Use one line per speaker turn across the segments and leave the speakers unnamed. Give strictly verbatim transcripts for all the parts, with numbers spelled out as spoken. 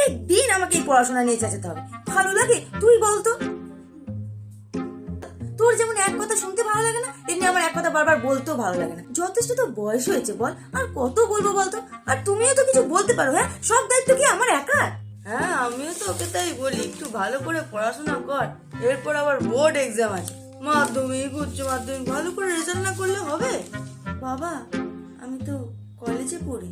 প্রত্যেক দিন আমাকে এই পড়াশোনা নিয়ে চেঁচাতে হবে। ভালো লাগে? তুই বলতো। তোর যেমন এক কথা শুনতে ভালো লাগে না, তেমনি আমার এক কথা বারবার বলতেও ভালো লাগে না। যথেষ্ট তো বয়স হয়েছে, বল আর কত বলবো বলতো। আর তুমিও তো কিছু বলতে পারো। হ্যাঁ, সব দায়িত্ব কি আমার একার?
হ্যাঁ, আমিও তো ওকে তাই বলি, একটু ভালো করে পড়াশোনা কর, এরপর আবার বোর্ড এক্সাম আছে, মাধ্যমিক উচ্চ মাধ্যমিক, ভালো করে রেজাল্ট না করলে হবে?
বাবা, আমি তো কলেজে পড়ি।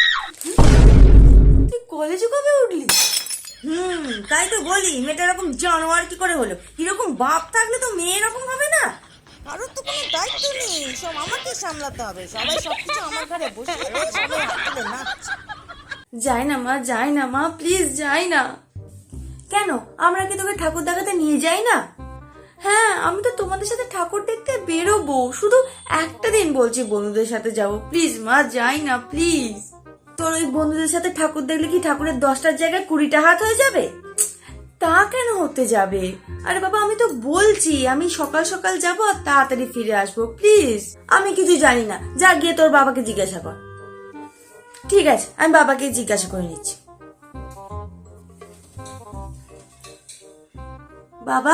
তুই কলেজে কবে উঠলি?
হুম তাই তো বলি, মেয়েটা এরকম জানোয়ার কি করে হলো? এরকম বাপ থাকলে তো মেয়ে এরকম হবে না।
কারোর তো কোনো দায়িত্ব নেই, সব আমাকে সামলাতে হবে। সবাই সবকিছু আমার ঘরে বসে সবাই হাত তুলে নাচছে।
যাই না মা, যাই না মা, প্লিজ যাই না। কেন, আমরা কি তোকে ঠাকুর দেখাতে নিয়ে যাই না? হ্যাঁ, আমি তো তোমাদের সাথে ঠাকুর দেখতে বেরোবো, শুধু একটা দিন বলছি বন্ধুদের সাথে যাবো। প্লিজ মা, যাই না প্লিজ। তোর ওই বন্ধুদের সাথে ঠাকুর দেখলে কি ঠাকুরের দশটার জায়গায় কুড়িটা হাত হয়ে যাবে? তা কেন হতে যাবে? আরে বাবা, আমি তো বলছি আমি সকাল সকাল যাবো আর তাড়াতাড়ি ফিরে আসবো। প্লিজ, আমি কিছু জানি না, যা গিয়ে তোর বাবাকে জিজ্ঞাসা কর। ঠিক আছে, আমি বাবাকে জিজ্ঞাসা করে নিচ্ছি। বাবা,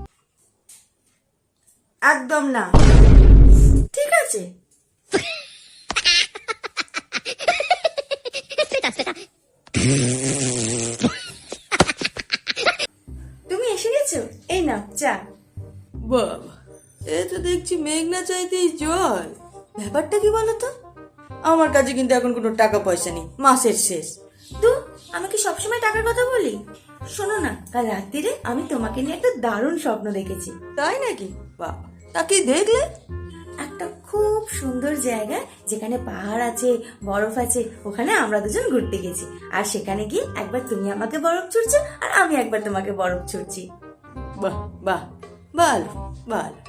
একদম না। ঠিক আছে। তুমি এসে গেছো, এই না চা।
বাবা, এ তো দেখছি মেঘনা চাইতেই জল।
ব্যাপারটা কি বলতো?
আমার কাছে কিন্তু এখন কোনো টাকা পয়সা নেই, মাসের শেষ।
তো আমি কি সবসময় টাকার কথা বলি? শোনো না, কাল রাত্রিরে আমি তোমাকে নিয়ে একটা দারুণ স্বপ্ন দেখেছি।
তাই নাকি? বাবা, তা কি দেখলে?
একটা খুব সুন্দর জায়গা, যেখানে পাহাড় আছে, বরফ আছে, ওখানে আমরা দুজন ঘুরতে গেছি। আর সেখানে গিয়ে একবার তুমি আমাকে বরফ ছুড়ছো আর আমি একবার তোমাকে বরফ ছুড়ছি।
বাহ বাহ, ভালো ভালো।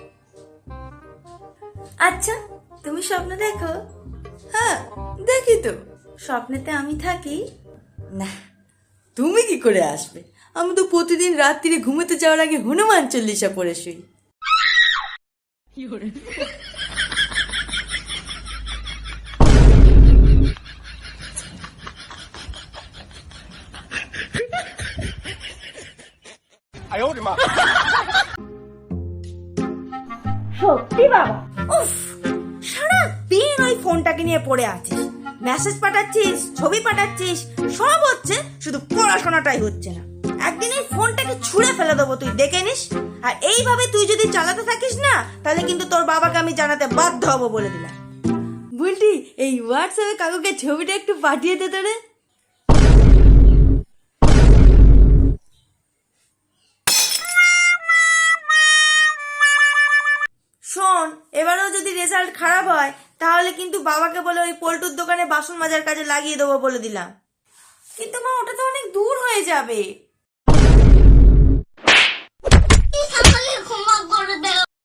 আচ্ছা, তুমি স্বপ্ন দেখো?
হ্যাঁ, দেখি তো।
স্বপ্নেতে আমি থাকি?
না, তুমি কি করে আসবে? আমি তো প্রতিদিন রাত্রিরে ঘুমোতে যাওয়ার আগে হনুমান চল্লিশা পড়ে শুই।
সত্যি বাবা, উফ, সারা দিন ওই ফোনটাকে নিয়ে পড়ে আছিস, মেসেজ পাঠাচ্ছিস, ছবি পাঠাচ্ছিস, সব হচ্ছে, শুধু পড়াশোনাটাই হচ্ছে না। একদিন এই ফোনটাকে ছুঁড়ে ফেলে দেবো, তুই দেখে নিস। আর এইভাবে তুই যদি চালাতে থাকিস না, তাহলে কিন্তু তোর বাবাকে আমি জানাতে বাধ্য হবো, বলে দিলাম।
বুলটি, এই হোয়াটসঅ্যাপে কাকুকে ছবিটা একটু পাঠিয়ে দে তো রে।
শোন, এবারেও যদি রেজাল্ট খারাপ হয়, তাহলে কিন্তু বাবাকে বলে ওই পল্টুর দোকানে বাসন মাজার কাজে লাগিয়ে দেবো, বলে দিলাম। কিন্তু মা, ওটা তো অনেক দূর হয়ে যাবে।